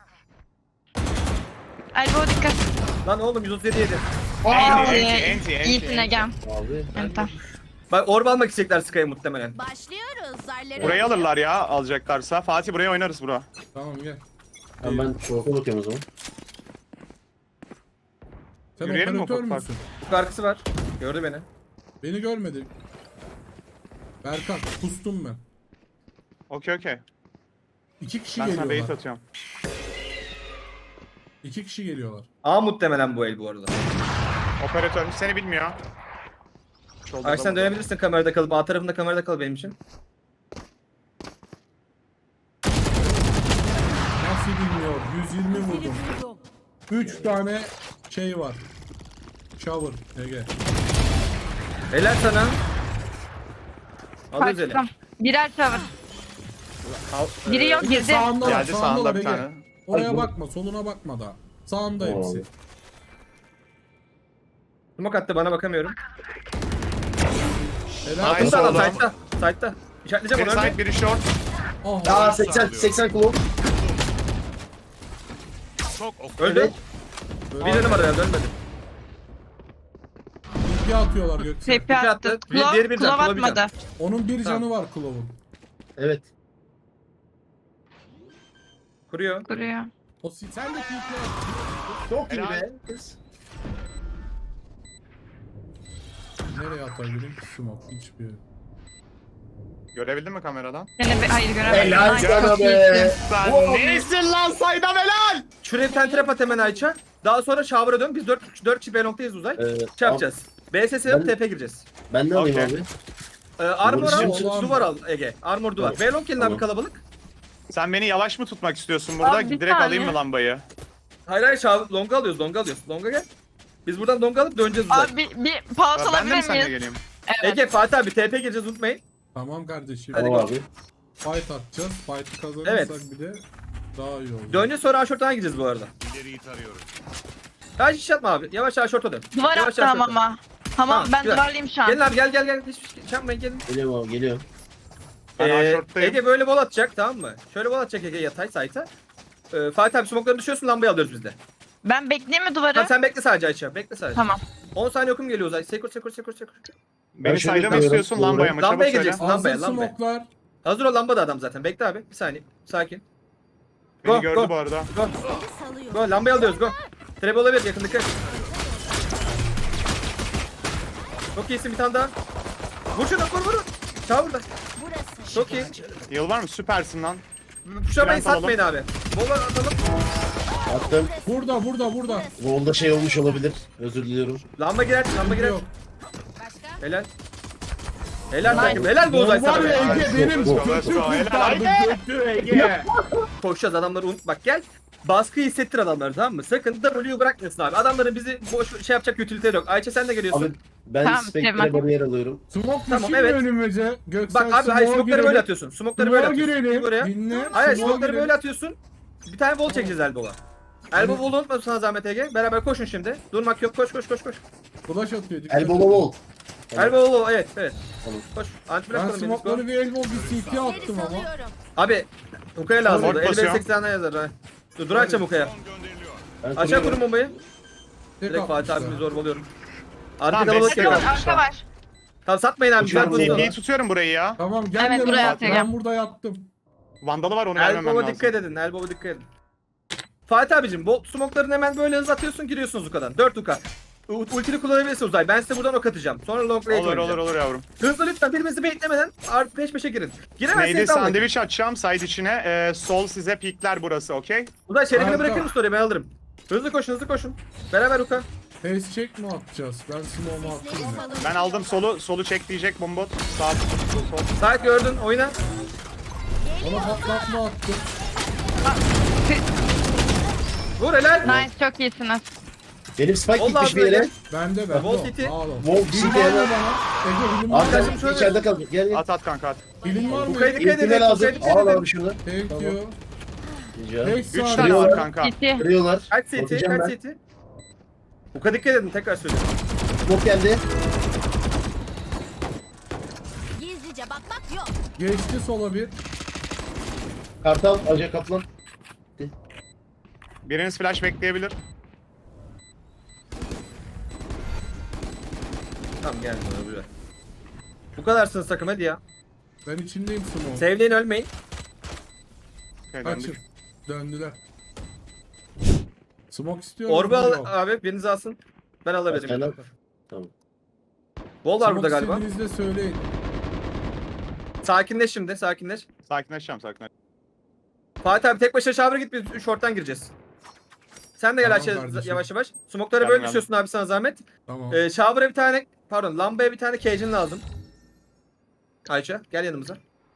[SPEAKER 5] Elbow dikkat.
[SPEAKER 1] Lan oğlum 137 yedi.
[SPEAKER 2] Enti.
[SPEAKER 5] İyisin Egem.
[SPEAKER 3] Abi.
[SPEAKER 5] Enter.
[SPEAKER 1] Bak orb almak isteyecekler Sky'ı muhtemelen.
[SPEAKER 4] Başlıyoruz. Zarları.
[SPEAKER 2] Burayı alırlar ya alacaklarsa. Fatih buraya oynarız bro.
[SPEAKER 6] Tamam gel.
[SPEAKER 3] Ben short'a bakıyorum o zaman.
[SPEAKER 6] Sen
[SPEAKER 2] Yürüyelim mi
[SPEAKER 6] operatör
[SPEAKER 2] ufak
[SPEAKER 6] müsün?
[SPEAKER 1] Bu arkası var. Gördü beni.
[SPEAKER 6] Beni görmedi. Berkan kustum ben.
[SPEAKER 2] Okey.
[SPEAKER 6] 2 kişi
[SPEAKER 2] Ben sana bait
[SPEAKER 6] geliyorlar.
[SPEAKER 2] atıyorum.
[SPEAKER 6] 2 kişi geliyorlar.
[SPEAKER 1] A muhtemelen bu el bu arada.
[SPEAKER 2] Operatör seni bilmiyor. Shoulder'da
[SPEAKER 1] Ay sen
[SPEAKER 2] burada.
[SPEAKER 1] dönebilirsin kamerada kalıp. A tarafında kamerada kal benim için.
[SPEAKER 6] Nasıl bilmiyor? 120 vurdum. 3 tane şey var. Shower Ege.
[SPEAKER 1] Helal sana. Alıyoruz eli.
[SPEAKER 5] Kaçtım. Birer tavır. Biri yok
[SPEAKER 6] Ege
[SPEAKER 5] girdi.
[SPEAKER 6] sağında var,
[SPEAKER 2] Geldi
[SPEAKER 6] sağında
[SPEAKER 2] sağında
[SPEAKER 6] var
[SPEAKER 2] bir
[SPEAKER 6] Ege.
[SPEAKER 2] tane.
[SPEAKER 6] Oraya
[SPEAKER 3] Ay, bu-
[SPEAKER 6] bakma, soluna bakma da. Sağında
[SPEAKER 3] Tamam
[SPEAKER 6] hepsi.
[SPEAKER 3] abi.
[SPEAKER 1] Smoke attı bana bakamıyorum.
[SPEAKER 6] Helal.
[SPEAKER 2] Nice
[SPEAKER 1] Burada adam
[SPEAKER 2] oğlum.
[SPEAKER 1] side'da. Side'da. İşaretleyeceğim
[SPEAKER 2] Biri
[SPEAKER 1] onu
[SPEAKER 2] side
[SPEAKER 1] önce.
[SPEAKER 2] biri short.
[SPEAKER 6] Ah,
[SPEAKER 3] Aa 80 kilo.
[SPEAKER 1] Öldü.
[SPEAKER 3] Evet.
[SPEAKER 1] Bir canım var herhalde ölmedi.
[SPEAKER 6] bilgi atıyorlar Göksel.
[SPEAKER 5] Tepe
[SPEAKER 1] attı.
[SPEAKER 5] attı.
[SPEAKER 1] Diğeri bir
[SPEAKER 5] Klov
[SPEAKER 1] can, Klov bir can.
[SPEAKER 5] atmadı.
[SPEAKER 6] Onun bir
[SPEAKER 1] Tamam.
[SPEAKER 6] canı var Klov'un.
[SPEAKER 3] Evet.
[SPEAKER 1] Kuruyor.
[SPEAKER 5] Kuruyor.
[SPEAKER 6] Sen de tiltle.
[SPEAKER 3] Çok iyi
[SPEAKER 2] Helal.
[SPEAKER 3] be. Kız.
[SPEAKER 6] Nereye atabilirim ki smoke? Hiçbir yere.
[SPEAKER 2] Görebildin mi kameradan?
[SPEAKER 5] Hayır göremedim.
[SPEAKER 3] Helal
[SPEAKER 5] Nice,
[SPEAKER 3] sana
[SPEAKER 5] çok
[SPEAKER 3] be.
[SPEAKER 5] iyisin.
[SPEAKER 2] Sen neysin lan saydam helal!
[SPEAKER 1] Şuraya bir tane trap at hemen Ayça. Daha sonra shower'a dön. Biz 4 kişi B noktayız uzay. Şey yapacağız. B sesi alıp
[SPEAKER 3] Ben-
[SPEAKER 1] TP gireceğiz.
[SPEAKER 3] Ben ne alayım
[SPEAKER 2] Okey.
[SPEAKER 3] abi?
[SPEAKER 1] Armor al,
[SPEAKER 6] Vuruşu olan
[SPEAKER 1] duvar
[SPEAKER 6] mı?
[SPEAKER 1] al Ege. Armor duvar.
[SPEAKER 3] Tamam.
[SPEAKER 1] B long gelin abi
[SPEAKER 3] Tamam.
[SPEAKER 1] kalabalık.
[SPEAKER 2] Sen beni yavaş mı tutmak istiyorsun burada?
[SPEAKER 5] Abi, bir
[SPEAKER 2] Direkt
[SPEAKER 5] saniye.
[SPEAKER 2] alayım mı lambayı?
[SPEAKER 1] Hayır hayır longa alıyoruz, longa alıyoruz. Longa gel. Biz buradan longa alıp döneceğiz uzay.
[SPEAKER 5] Abi bir pause
[SPEAKER 2] Ben de mi
[SPEAKER 5] alabilir
[SPEAKER 2] seninle
[SPEAKER 5] miyiz?
[SPEAKER 2] geleyim?
[SPEAKER 5] Evet.
[SPEAKER 1] Ege, Fatih abi TP gireceğiz unutmayın.
[SPEAKER 6] Tamam kardeşim.
[SPEAKER 1] Hadi
[SPEAKER 3] Tamam
[SPEAKER 1] go.
[SPEAKER 3] abi.
[SPEAKER 6] Fight atacağız. Fight'ı kazanırsak
[SPEAKER 1] Evet.
[SPEAKER 6] bir de daha iyi olur.
[SPEAKER 1] Dönce sonra aşorttan gideceğiz bu arada.
[SPEAKER 7] İleriyi tarıyorum.
[SPEAKER 1] Kaç iş yapma abi. Yavaş aşorta dön.
[SPEAKER 5] Duvar
[SPEAKER 1] Yavaş
[SPEAKER 5] attı
[SPEAKER 1] aşorta.
[SPEAKER 5] hamama. Hamam
[SPEAKER 1] Tamam,
[SPEAKER 5] ben
[SPEAKER 1] güzel.
[SPEAKER 5] duvarlıyım şu
[SPEAKER 1] Gelin
[SPEAKER 5] an.
[SPEAKER 1] abi gel. Hiçbir şey yapmayın gelin.
[SPEAKER 3] Geliyorum abi geliyorum.
[SPEAKER 2] Ben aşorttayım.
[SPEAKER 1] Ege böyle bol atacak tamam mı? Şöyle bol atacak Ege yatay sayta. Fatih abi smoke'ları düşüyorsun lambayı alıyoruz biz de.
[SPEAKER 5] Ben bekleyeyim mi duvarı?
[SPEAKER 1] Tamam sen bekle sadece Ayça. Bekle sadece.
[SPEAKER 5] Tamam.
[SPEAKER 1] 10 saniye okum geliyor Uzay. Sekur.
[SPEAKER 2] Beni
[SPEAKER 3] şöyle
[SPEAKER 2] sayda mı
[SPEAKER 3] kalıyorum,
[SPEAKER 2] istiyorsun
[SPEAKER 3] doğru.
[SPEAKER 2] lambaya mı? Çabuk
[SPEAKER 1] Lambaya
[SPEAKER 2] söyle.
[SPEAKER 1] gireceksin.
[SPEAKER 6] Hazır
[SPEAKER 1] Lambaya.
[SPEAKER 6] smoke'lar.
[SPEAKER 1] Hazır ol lamba da adam zaten. Bekle abi. Bir saniye. Sakin.
[SPEAKER 2] Beni
[SPEAKER 1] Go,
[SPEAKER 2] gördü
[SPEAKER 1] go.
[SPEAKER 2] bu arada.
[SPEAKER 1] Go.
[SPEAKER 4] Sesi salıyorum.
[SPEAKER 1] Go. Lambayı alıyoruz. Go. Trap olabilir yakındaki. Çok iyisin bir tane daha. Vur şunu vur. Çağ burada.
[SPEAKER 4] Burası.
[SPEAKER 1] Çok iyi.
[SPEAKER 2] Yıl var mı? Süpersin lan.
[SPEAKER 1] Puşamayı
[SPEAKER 2] Trent
[SPEAKER 1] satmayın abi. Bola atalım.
[SPEAKER 3] Attım.
[SPEAKER 6] Burada.
[SPEAKER 3] Rolda şey olmuş olabilir. Özür diliyorum.
[SPEAKER 1] Lamba girer.
[SPEAKER 6] Yok.
[SPEAKER 4] Başka?
[SPEAKER 1] Helal. Helal
[SPEAKER 5] Nice.
[SPEAKER 1] takım. Helal bu Uzay
[SPEAKER 6] Var
[SPEAKER 1] sana.
[SPEAKER 6] ya
[SPEAKER 1] be.
[SPEAKER 6] Ege benim
[SPEAKER 3] Go, go,
[SPEAKER 6] götü
[SPEAKER 2] go.
[SPEAKER 6] kurtardı. Götü Ege.
[SPEAKER 1] Koşacağız adamları unut. Bak gel. Baskıyı hissettir adamları tamam mı? Sakın W'yu bırakmıyorsun abi. Adamların bizi boş şey yapacak utilite yok. Ayça sen de geliyorsun.
[SPEAKER 3] Abi ben
[SPEAKER 5] Tamam,
[SPEAKER 3] Spectre
[SPEAKER 5] Cemal.
[SPEAKER 3] bariyer alıyorum.
[SPEAKER 6] Smoke
[SPEAKER 1] Tamam,
[SPEAKER 6] düşün
[SPEAKER 1] evet.
[SPEAKER 6] önümüze. Göksel
[SPEAKER 1] Bak abi hayır
[SPEAKER 6] smoke'a
[SPEAKER 1] smoke'ları böyle
[SPEAKER 6] girelim.
[SPEAKER 1] atıyorsun. Smoke'ları böyle
[SPEAKER 6] Smoke'a
[SPEAKER 1] atıyorsun.
[SPEAKER 6] girelim.
[SPEAKER 1] Buraya.
[SPEAKER 6] Dinle.
[SPEAKER 1] Hayır
[SPEAKER 6] Smoke'a
[SPEAKER 1] smoke'ları
[SPEAKER 6] girelim.
[SPEAKER 1] böyle atıyorsun. Bir tane wall çekeceğiz Elbow'a. Elbow wall unutma sana zahmet Ege. Beraber koşun şimdi. Durmak yok. Koş.
[SPEAKER 6] Flash atıyor. dikkat
[SPEAKER 3] Elbow
[SPEAKER 6] et.
[SPEAKER 3] wall.
[SPEAKER 1] Elbow wall evet.
[SPEAKER 3] Tamam.
[SPEAKER 1] Koş. Anti
[SPEAKER 6] Ben
[SPEAKER 1] bırakalım beni.
[SPEAKER 6] smoke'ları bir elbow bir CT
[SPEAKER 4] Geri
[SPEAKER 6] attım ama.
[SPEAKER 4] salıyorum.
[SPEAKER 1] Abi Uka'ya lazım.
[SPEAKER 2] Orta basıyor.
[SPEAKER 1] 50-80'den yazar ha. Dur açacağım Uka'ya.
[SPEAKER 7] Son gönderiliyor.
[SPEAKER 3] Ben
[SPEAKER 1] Aşağı
[SPEAKER 3] kuruyorum.
[SPEAKER 1] kurun bombayı.
[SPEAKER 6] Tek
[SPEAKER 1] Direkt Fatih
[SPEAKER 6] atmışlar.
[SPEAKER 1] abimi zorbalıyorum. Arka
[SPEAKER 2] Tamam,
[SPEAKER 1] kalabalık
[SPEAKER 2] bekle.
[SPEAKER 1] geliyor.
[SPEAKER 5] Arka var.
[SPEAKER 1] Tamam satmayın abi. Güzel
[SPEAKER 3] Uçuyorum,
[SPEAKER 1] pozisyon.
[SPEAKER 2] TP'yi tutuyorum burayı ya.
[SPEAKER 6] Tamam gel
[SPEAKER 5] Evet,
[SPEAKER 6] yanıma.
[SPEAKER 5] buraya
[SPEAKER 6] Ben
[SPEAKER 5] atacağım.
[SPEAKER 6] burada yattım.
[SPEAKER 2] Vandalı var onu vermemem
[SPEAKER 1] Elbow'a
[SPEAKER 2] lazım.
[SPEAKER 1] dikkat edin. Elbow'a dikkat edin. Fatih abicim bu smoke'larını hemen böyle hız atıyorsun giriyorsunuz Uka'dan. 4 Uka. Ultini kullanabilirsin Uzay. Ben size buradan ok atacağım. Sonra long range
[SPEAKER 2] Olur yavrum.
[SPEAKER 1] Hızlı lütfen birbirinizi beklemeden peş peşe girin. Giremezseniz
[SPEAKER 2] Neydi
[SPEAKER 1] dalmayın.
[SPEAKER 2] sandviç açacağım side içine. Sol size pikler burası okey?
[SPEAKER 1] Uzay şerefini
[SPEAKER 6] Harika.
[SPEAKER 1] bırakır mısın oraya ben alırım. Hızlı koşun. Beraber Uka.
[SPEAKER 6] Face check mi atacağız? Ben smoke'umu attım
[SPEAKER 4] Sesleri
[SPEAKER 6] ya.
[SPEAKER 4] salıyorum.
[SPEAKER 2] Ben aldım solu çek diyecek bombot. Sağ sol.
[SPEAKER 1] Sait gördün oyna.
[SPEAKER 6] Ona patlatma attım.
[SPEAKER 1] Vur helal.
[SPEAKER 5] Nice çok iyisiniz.
[SPEAKER 3] Benim spike
[SPEAKER 1] Vallahi
[SPEAKER 3] gitmiş bir yere.
[SPEAKER 1] böyle.
[SPEAKER 6] Bende.
[SPEAKER 1] Wall City.
[SPEAKER 6] Sağ olun.
[SPEAKER 3] Wall
[SPEAKER 6] Bilim
[SPEAKER 3] City
[SPEAKER 6] var mı
[SPEAKER 3] yana.
[SPEAKER 6] bana? Ege bilim var mı?
[SPEAKER 3] Arkadaşım
[SPEAKER 1] şöyle-
[SPEAKER 3] içeride kaldı. Gel.
[SPEAKER 2] At kanka at.
[SPEAKER 6] Bilim var mı?
[SPEAKER 1] Uka'ya dikkat edin.
[SPEAKER 3] İlkime lazım.
[SPEAKER 1] Uka'ya
[SPEAKER 3] Al
[SPEAKER 1] dikkat
[SPEAKER 3] abi
[SPEAKER 1] edin.
[SPEAKER 3] şunu.
[SPEAKER 6] Thank
[SPEAKER 3] Tamam.
[SPEAKER 6] you.
[SPEAKER 3] Rica.
[SPEAKER 6] 5
[SPEAKER 2] 3
[SPEAKER 6] saniye.
[SPEAKER 2] tane var
[SPEAKER 3] Kırıyorlar.
[SPEAKER 2] kanka.
[SPEAKER 5] Gitti.
[SPEAKER 3] Kırıyorlar.
[SPEAKER 1] Kaç CT?
[SPEAKER 3] Bakacağım
[SPEAKER 1] Kaç
[SPEAKER 3] ben.
[SPEAKER 1] CT? Uka dikkat edin tekrar söylüyorum.
[SPEAKER 3] Smoke geldi.
[SPEAKER 4] Gizlice bakmak yok.
[SPEAKER 6] Geçti sola bir.
[SPEAKER 3] Kartal. Aca kaplan.
[SPEAKER 2] Biriniz flash bekleyebilir.
[SPEAKER 1] Tamam geldi buraya. Bu kadarsınız takım hadi ya.
[SPEAKER 6] Ben içindeyim smoke.
[SPEAKER 1] Sevdiğin ölmeyin.
[SPEAKER 2] Okay,
[SPEAKER 6] Kaçın.
[SPEAKER 2] döndük.
[SPEAKER 6] Döndüler. Smoke istiyorum.
[SPEAKER 1] Orbu al
[SPEAKER 6] Yok.
[SPEAKER 1] abi biriniz alsın. Ben alabilirim.
[SPEAKER 3] Sen Tamam.
[SPEAKER 1] Wall var
[SPEAKER 6] Smoke
[SPEAKER 1] burada galiba.
[SPEAKER 6] istediğinizde söyleyin.
[SPEAKER 1] Sakinleş şimdi sakinleş.
[SPEAKER 2] Sakinleşeceğim.
[SPEAKER 1] Fatih abi tek başına shower'a git biz short'tan gireceğiz. Sen de gel
[SPEAKER 6] Tamam
[SPEAKER 1] aşağı
[SPEAKER 6] kardeşim.
[SPEAKER 1] yavaş yavaş. Smoke'lara
[SPEAKER 2] Geldim,
[SPEAKER 1] böyle
[SPEAKER 2] geldim.
[SPEAKER 1] düşüyorsun abi sana zahmet.
[SPEAKER 6] Tamam.
[SPEAKER 1] Shower'a bir tane pardon lambaya bir tane cage'in lazım. Ayça gel yanımıza.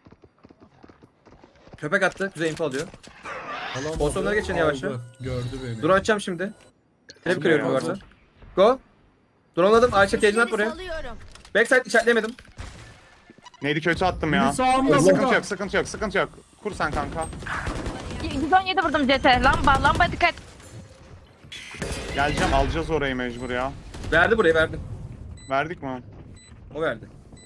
[SPEAKER 1] Köpek attı. Güzel info alıyor.
[SPEAKER 6] Alamadı,
[SPEAKER 1] pozisyonlara geçin yavaşça.
[SPEAKER 6] aldı. Gördü beni.
[SPEAKER 1] Drone açacağım şimdi. Trap
[SPEAKER 6] Tamam,
[SPEAKER 1] kırıyorum
[SPEAKER 6] hazır.
[SPEAKER 1] varsa. Go. Drone'ladım. Ayça cage'ini at
[SPEAKER 4] Sesleri
[SPEAKER 1] buraya.
[SPEAKER 4] salıyorum.
[SPEAKER 1] Backside işaretleyemedim.
[SPEAKER 2] Neydi kötü attım
[SPEAKER 6] Bir
[SPEAKER 2] ya.
[SPEAKER 6] sağımda
[SPEAKER 2] Sıkıntı
[SPEAKER 6] burada.
[SPEAKER 2] yok sıkıntı yok. Kur sen kanka.
[SPEAKER 5] 117 vurdum CT. Lamba dikkat.
[SPEAKER 2] Geleceğim alacağız orayı mecbur ya.
[SPEAKER 1] Verdi burayı verdi.
[SPEAKER 2] Verdik mi?
[SPEAKER 1] O verdi.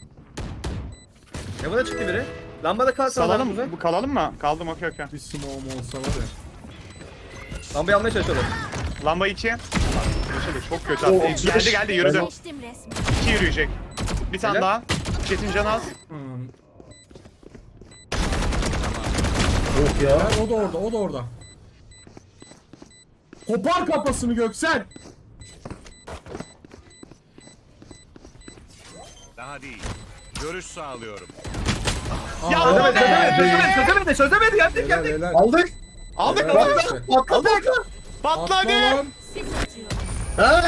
[SPEAKER 1] Ya buna çıktı biri. Lambada kalsın
[SPEAKER 2] Salalım
[SPEAKER 1] adam
[SPEAKER 2] mı? Kalalım mı? Kaldım okey.
[SPEAKER 6] Bir smoke'um olsa var ya.
[SPEAKER 1] Lambayı almaya çalışıyorlar.
[SPEAKER 2] Lamba 2. Çok kötü
[SPEAKER 3] Oo,
[SPEAKER 2] attı. Geldi yürüdü.
[SPEAKER 4] Geçtim resmen.
[SPEAKER 2] 2 yürüyecek. Bir tane
[SPEAKER 1] Helal.
[SPEAKER 2] daha. Çetin canı az.
[SPEAKER 6] Hmm.
[SPEAKER 3] Yok ya.
[SPEAKER 6] Ben, o da orada. Kopar kafasını Göksel.
[SPEAKER 7] Daha değil. Görüş sağlıyorum.
[SPEAKER 2] Ya
[SPEAKER 6] Aa,
[SPEAKER 2] be!
[SPEAKER 1] Çözemedi
[SPEAKER 6] Helal
[SPEAKER 1] geldik.
[SPEAKER 6] helal.
[SPEAKER 3] Aldık.
[SPEAKER 2] Aldık
[SPEAKER 6] Helal
[SPEAKER 2] aldık.
[SPEAKER 6] işte.
[SPEAKER 3] Patla.
[SPEAKER 2] Patla
[SPEAKER 6] Atla
[SPEAKER 2] hadi.
[SPEAKER 6] lan.
[SPEAKER 4] Sis atıyorum.
[SPEAKER 3] Ha?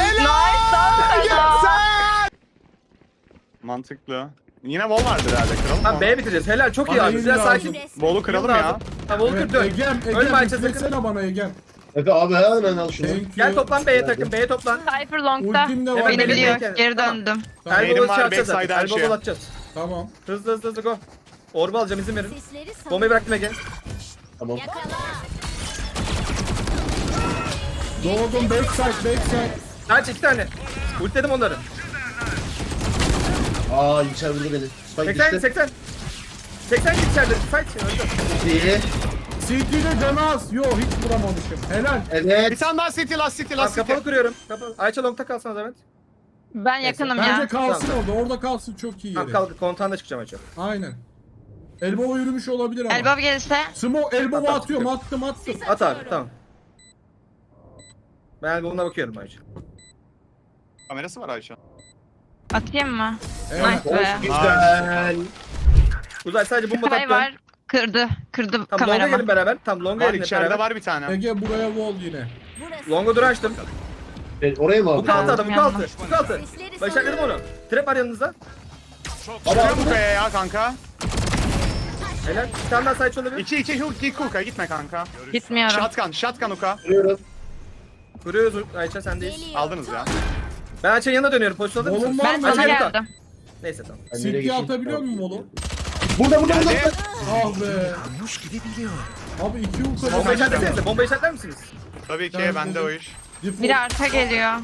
[SPEAKER 2] Mantıklı. Yine wall vardır herhalde kıralım
[SPEAKER 1] Tamam
[SPEAKER 2] mı?
[SPEAKER 1] B'ye bitireceğiz. Helal çok iyi
[SPEAKER 6] Bana
[SPEAKER 1] abi.
[SPEAKER 6] yeni
[SPEAKER 1] Biraz
[SPEAKER 6] lazım.
[SPEAKER 1] sakin.
[SPEAKER 4] Resmen.
[SPEAKER 2] Wall'u kıralım ya.
[SPEAKER 1] Tamam Volker
[SPEAKER 6] Evet,
[SPEAKER 1] dön.
[SPEAKER 6] Egem,
[SPEAKER 1] Ölme Ayça sakın.
[SPEAKER 6] üflesene bana Egem.
[SPEAKER 3] Efe abi hemen al şunu.
[SPEAKER 6] Thank you.
[SPEAKER 1] Gel toplan B'ye takım. B'ye toplan.
[SPEAKER 5] Cypher long'da.
[SPEAKER 6] Ultim de var.
[SPEAKER 1] Hemen
[SPEAKER 5] Beni biliyor.
[SPEAKER 1] bekle.
[SPEAKER 5] Geri
[SPEAKER 1] Tamam.
[SPEAKER 5] döndüm.
[SPEAKER 6] Tamam.
[SPEAKER 2] Neydim
[SPEAKER 1] Elbow'u
[SPEAKER 2] var,
[SPEAKER 1] çarpacağız
[SPEAKER 2] backside
[SPEAKER 1] zaten.
[SPEAKER 2] her şey.
[SPEAKER 1] Elbow'u atacağız.
[SPEAKER 6] Tamam.
[SPEAKER 1] Hızlı go. Orba alacağım, izin verin.
[SPEAKER 4] Sesleri savun.
[SPEAKER 1] Bombayı bıraktım Ege.
[SPEAKER 3] Tamam.
[SPEAKER 4] Yakala.
[SPEAKER 6] Doğdum backside.
[SPEAKER 1] Kaç 2 tane. Ultiledim onları.
[SPEAKER 3] Aa Yüksel vurdu beni. Spike
[SPEAKER 1] 80
[SPEAKER 3] düştü.
[SPEAKER 1] 80. 80 git içeride. Fight öldü.
[SPEAKER 3] İyi.
[SPEAKER 6] CT'de canı az. Yo hiç vuramamışım. Helal.
[SPEAKER 2] Bir
[SPEAKER 3] Evet.
[SPEAKER 2] tane daha city, last city,
[SPEAKER 1] Tamam,
[SPEAKER 2] last city.
[SPEAKER 1] kapalı kuruyorum. Kapalı. Ayça long'ta kalsana Demet.
[SPEAKER 5] Ben yakınım
[SPEAKER 6] Bence
[SPEAKER 5] ya.
[SPEAKER 6] kalsın
[SPEAKER 1] Tamam.
[SPEAKER 6] orada kalsın çok iyi
[SPEAKER 1] Tamam
[SPEAKER 6] yeri.
[SPEAKER 1] kalk, kontağında çıkacağım Ayça.
[SPEAKER 6] Aynen. Elbow yürümüş olabilir ama.
[SPEAKER 5] Elbow gelirse.
[SPEAKER 6] Elbow'u
[SPEAKER 1] At,
[SPEAKER 6] atıyorum
[SPEAKER 1] at.
[SPEAKER 6] attım.
[SPEAKER 1] At abi, tamam. Ben bununla bakıyorum Ayça.
[SPEAKER 2] Kamerası var Ayşe.
[SPEAKER 5] Atayım mı?
[SPEAKER 6] Evet.
[SPEAKER 5] Nice be.
[SPEAKER 3] Güzel.
[SPEAKER 1] Uzay sadece bomba
[SPEAKER 5] Kay
[SPEAKER 1] taktı.
[SPEAKER 5] var. Kırdı
[SPEAKER 1] Tamam longa
[SPEAKER 5] kameramı.
[SPEAKER 1] gelin beraber. Tamam longa
[SPEAKER 2] Var
[SPEAKER 1] gelin hep
[SPEAKER 2] içeride
[SPEAKER 1] beraber.
[SPEAKER 2] var bir tane.
[SPEAKER 6] Ege buraya wall yine.
[SPEAKER 4] Burası.
[SPEAKER 1] Longa dur açtım.
[SPEAKER 3] Oraya mı
[SPEAKER 1] Bu
[SPEAKER 3] abi?
[SPEAKER 1] kaldı adam, bu
[SPEAKER 5] Yanına.
[SPEAKER 1] kaldı. Bu kaldı.
[SPEAKER 4] Sesleri
[SPEAKER 1] Başardım onu. Trap var yanınızda.
[SPEAKER 2] Çıkıyor bu kaya ya kanka.
[SPEAKER 1] Helal. Bir tane daha side olabilir.
[SPEAKER 2] 2 hook, 2 hook'a gitme kanka.
[SPEAKER 5] Gitmiyorum.
[SPEAKER 2] Shotgun hook'a.
[SPEAKER 3] Vuruyorum.
[SPEAKER 1] Kuruyoruz Ayça, sendeyiz.
[SPEAKER 4] Geliyor.
[SPEAKER 2] Aldınız ya.
[SPEAKER 1] Ben Ayça'nın yanına dönüyorum. Pozisyon alır
[SPEAKER 6] Oğlum
[SPEAKER 1] mısın?
[SPEAKER 6] var
[SPEAKER 5] Ben
[SPEAKER 6] mı?
[SPEAKER 5] sana
[SPEAKER 1] Ayça,
[SPEAKER 5] geldim.
[SPEAKER 1] Neyse tamam.
[SPEAKER 3] Ben
[SPEAKER 6] CT
[SPEAKER 3] nereye geçeyim?
[SPEAKER 6] atabiliyor musun Volo?
[SPEAKER 3] Burada.
[SPEAKER 2] Geldi.
[SPEAKER 6] Ah be. Abi 2
[SPEAKER 1] Bomba
[SPEAKER 6] uka.
[SPEAKER 1] işaretlesenize. Bomba işaretler misiniz?
[SPEAKER 2] Tabii ki
[SPEAKER 6] Ben
[SPEAKER 2] bende o
[SPEAKER 6] buldum.
[SPEAKER 2] iş.
[SPEAKER 5] Biri arka geliyor.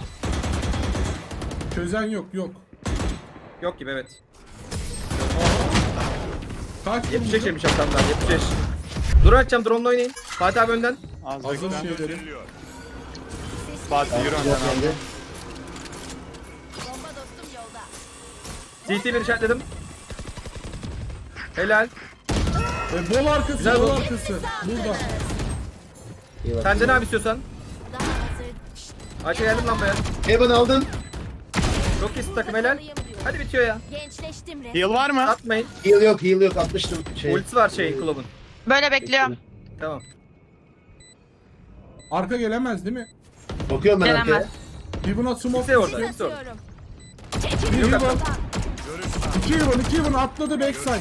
[SPEAKER 6] Çözen yok.
[SPEAKER 1] Yok gibi evet.
[SPEAKER 6] Kaç
[SPEAKER 1] 75 yemiş adamlar 75. Dur açacağım, drone'la oynayın. Fatih abi önden.
[SPEAKER 2] Az
[SPEAKER 6] Hazır
[SPEAKER 2] bekle.
[SPEAKER 6] şeyleri.
[SPEAKER 2] Fatih yürü önden abi.
[SPEAKER 3] Geldi.
[SPEAKER 4] Bomba dostum yolda.
[SPEAKER 1] CT bir işaretledim. Helal.
[SPEAKER 6] Bol arkası,
[SPEAKER 1] Güzel
[SPEAKER 6] bol
[SPEAKER 1] bu.
[SPEAKER 6] arkası. Burada.
[SPEAKER 3] İyi bak.
[SPEAKER 1] Senden abi istiyorsan.
[SPEAKER 4] Daha hazır.
[SPEAKER 1] Ayça geldim lambaya.
[SPEAKER 3] Evan aldın.
[SPEAKER 1] Çok iyisin takım, helal. Hadi bitiyor ya.
[SPEAKER 4] Gençleştim resmen.
[SPEAKER 2] Heal var mı?
[SPEAKER 1] Atmayın.
[SPEAKER 3] Heal yok. Atmıştım.
[SPEAKER 1] Ultisi var Club'un.
[SPEAKER 5] Böyle bekliyorum.
[SPEAKER 1] Tamam.
[SPEAKER 6] Arka gelemez değil mi?
[SPEAKER 3] Bakıyorum ben
[SPEAKER 5] Gelemez.
[SPEAKER 3] arkaya.
[SPEAKER 6] Divuna smoke.
[SPEAKER 1] Kimse orada. Kimse orada.
[SPEAKER 4] Basıyorum.
[SPEAKER 6] Bir
[SPEAKER 1] Yok,
[SPEAKER 6] Divon. 2 Divon atladı backside.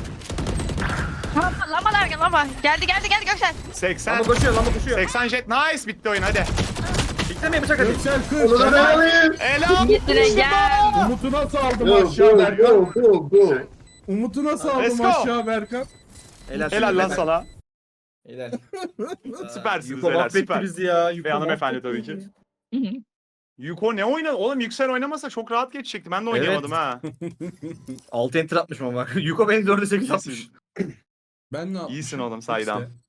[SPEAKER 5] Lamba. Geldi Göksel.
[SPEAKER 2] 80.
[SPEAKER 1] Lamba koşuyor, lamba koşuyor.
[SPEAKER 2] 80 jet. Nice, bitti oyun hadi.
[SPEAKER 1] Beklemeyin bıçak hadi.
[SPEAKER 6] Göksel
[SPEAKER 3] Onu da
[SPEAKER 6] 40.
[SPEAKER 3] ben alayım.
[SPEAKER 2] Helal.
[SPEAKER 5] Gitire gel.
[SPEAKER 6] Umut'u nasıl aldım
[SPEAKER 3] Go
[SPEAKER 6] aşağı Berkan?
[SPEAKER 3] go.
[SPEAKER 6] Umut'u nasıl
[SPEAKER 2] Let's
[SPEAKER 6] aldım
[SPEAKER 2] go.
[SPEAKER 6] aşağı Berkan?
[SPEAKER 2] Helal lan sana.
[SPEAKER 1] Helal.
[SPEAKER 2] Süpersiniz
[SPEAKER 1] Yuko
[SPEAKER 2] beyler,
[SPEAKER 1] mahvetti
[SPEAKER 2] süper.
[SPEAKER 1] bizi ya. Yuko
[SPEAKER 2] Ve hanımefendi
[SPEAKER 1] mahvetti
[SPEAKER 2] tabii ki.
[SPEAKER 1] bizi.
[SPEAKER 2] Yuko ne oynadı? Oğlum Yüksel oynamasa çok rahat geçecekti. Ben de oynayamadım ha.
[SPEAKER 1] 6 enter atmışım ama. Yuko beni 4'e 8 atmış.
[SPEAKER 2] İyisin.
[SPEAKER 6] Ben ne yapmışım?
[SPEAKER 2] İyisin oğlum saydam.
[SPEAKER 6] İşte.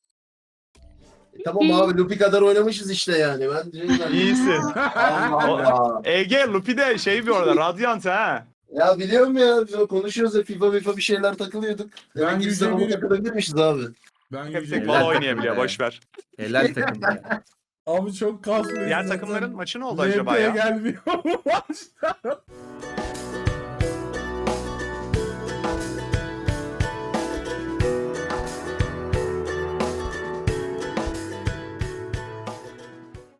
[SPEAKER 3] Tamam abi Lupi kadar oynamışız işte yani.
[SPEAKER 2] İyisin.
[SPEAKER 3] Allah Allah.
[SPEAKER 2] Ege Lupi de şey bir orada Radiant ha.
[SPEAKER 3] Ya biliyorum ya. Biz konuşuyoruz ya FIFA bir şeyler takılıyorduk.
[SPEAKER 6] Ben
[SPEAKER 3] Demek ki
[SPEAKER 6] yüce
[SPEAKER 3] İstanbul'a
[SPEAKER 6] birim.
[SPEAKER 3] takılabilirmişiz abi.
[SPEAKER 6] Ben
[SPEAKER 2] Hep
[SPEAKER 6] yüce
[SPEAKER 2] tek
[SPEAKER 1] Helal
[SPEAKER 2] bala
[SPEAKER 1] takım
[SPEAKER 2] oynayabiliyor
[SPEAKER 1] be.
[SPEAKER 2] boş ver.
[SPEAKER 1] Helal takım ya.
[SPEAKER 6] Abi çok kasmıyor.
[SPEAKER 2] Diğer takımların maçı ne oldu acaba
[SPEAKER 6] RP'ye
[SPEAKER 2] ya?
[SPEAKER 6] gelmiyor bu maçta.